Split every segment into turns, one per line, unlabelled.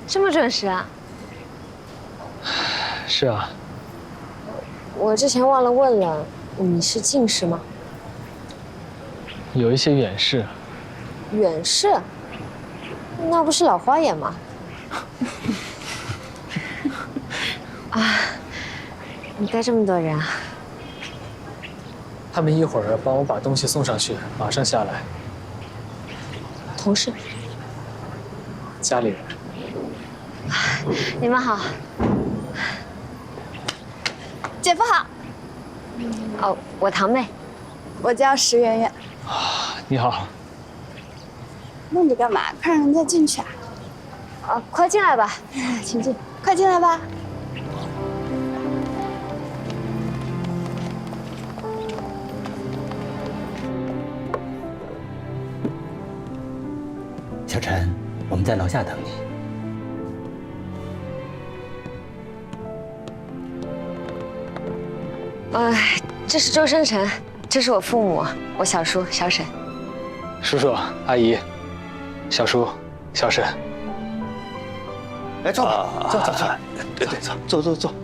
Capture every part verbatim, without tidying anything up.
这么准时啊？
是啊。
我之前忘了问了，你是近视吗？
有一些远视。
远视？那不是老花眼吗？啊，你带这么多人啊？
他们一会儿帮我把东西送上去，马上下来。
同事？
家里人。
你们好。
姐夫好。
哦，我堂妹。
我叫石圆圆。
啊，你好。
弄着干嘛？快让人家进去啊！
啊，快进来吧，请进，
快进来吧。
小陈，我们在楼下等你。
呃，这是周生辰，这是我父母，我小叔小沈。
叔叔、阿姨、小叔、小沈。
来，坐吧，坐坐坐，对对，坐坐坐坐。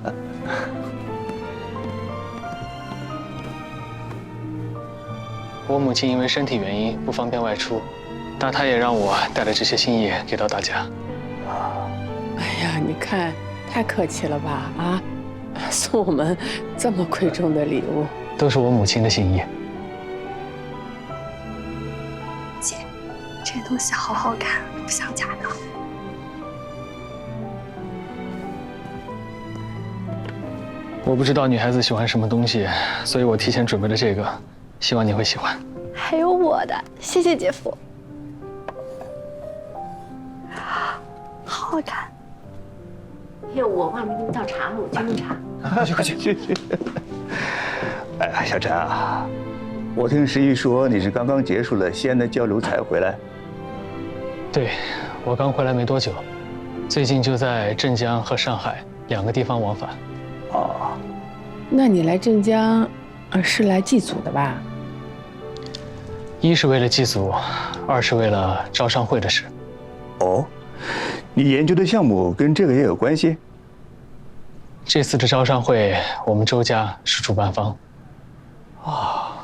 我母亲因为身体原因不方便外出，但她也让我带了这些心意给到大家。
哎呀，你看，太客气了吧？啊，送我们这么贵重的礼物，
都是我母亲的心意。
姐，这东西好好看，不像假的。
我不知道女孩子喜欢什么东西，所以我提前准备了这个，希望你会喜欢。
还有我的，谢谢姐夫。好好看。
哎呦，我忘了给你倒茶了，我去弄茶。
快去快去去去。哎，小陈啊，我听石姨说你是刚刚结束了西安的交流才回来。
对，我刚回来没多久，最近就在镇江和上海两个地方往返。
哦，
那你来镇江，呃，是来祭祖的吧？
一是为了祭祖，二是为了招商会的事。
哦，你研究的项目跟这个也有关系？
这次的招商会，我们周家是主办方。
啊，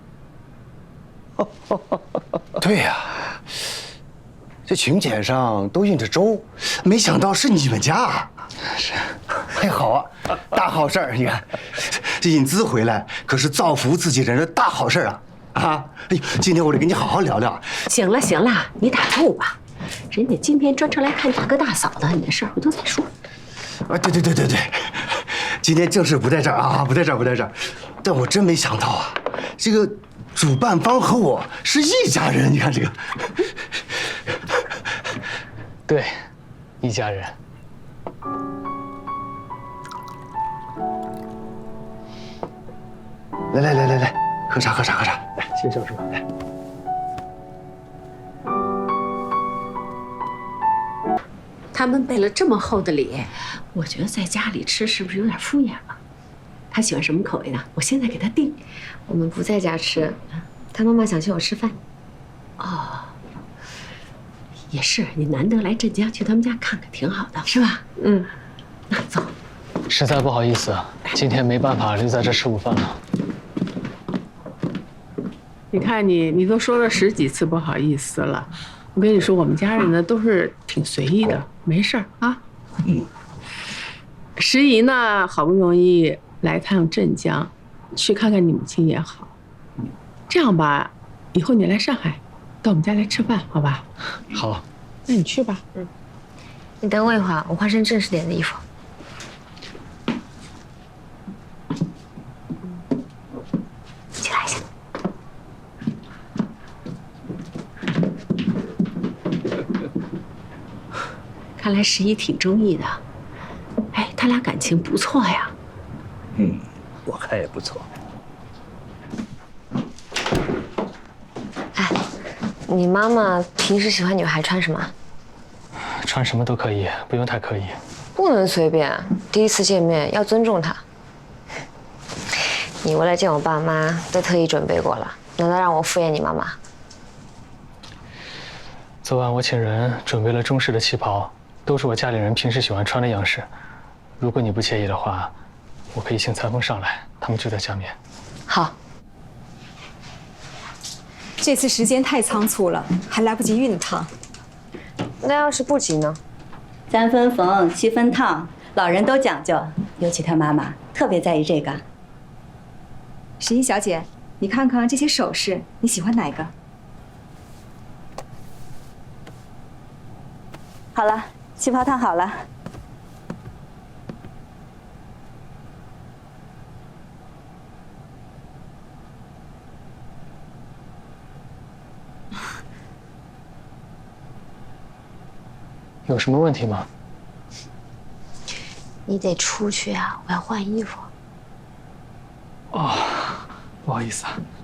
对呀，这请柬上都印着周，没想到是你们家。
是，
哎，好啊，大好事儿！你看，这引资回来可是造福自己人的大好事啊！啊，哎呦，今天我得跟你好好聊聊。
行了行了，你打住吧。人家今天专程来看大哥大嫂的，你的事儿回头再说。
啊，对对对对对，今天正事不在这儿啊，不在这儿不在这儿。但我真没想到啊，这个主办方和我是一家人。你看这个，
对，一家人。
来来来来来，喝茶喝茶喝茶，来，谢谢小叔，来。
他们备了这么厚的礼，我觉得在家里吃是不是有点敷衍了？他喜欢什么口味的？我现在给他订。
我们不在家吃，他妈妈想请我吃饭。
哦，也是，你难得来镇江，去他们家看看，挺好的，是吧？
嗯，
那走。
实在不好意思，今天没办法留在这吃午饭了。
你看你，你都说了十几次不好意思了。我跟你说，我们家人呢都是挺随意的，没事儿啊。嗯。石姨呢，好不容易来趟镇江，去看看你母亲也好。这样吧，以后你来上海，到我们家来吃饭，好吧？
好。
那你去吧。
嗯。你等我一会儿，我换身正式点的衣服。起来一下。
看来石姨挺中意的，哎，他俩感情不错呀。
嗯，我看也不错。
哎，你妈妈平时喜欢女孩穿什么？
穿什么都可以，不用太刻意。
不能随便，第一次见面要尊重她。你为了见我爸妈都特意准备过了，难道让我敷衍你妈妈？
昨晚我请人准备了中式的旗袍， 都是我家里人平时喜欢穿的样式。如果你不介意的话，我可以请裁缝上来，他们就在下面。
好。
这次时间太仓促了，还来不及熨烫。
那要是不急呢？
三分缝，七分烫，老人都讲究，尤其他妈妈特别在意这个。
十一小姐，你看看这些首饰，你喜欢哪个？
好了，旗袍烫好了。
有什么问题吗？
你得出去啊，我要换衣服。
哦，不好意思啊。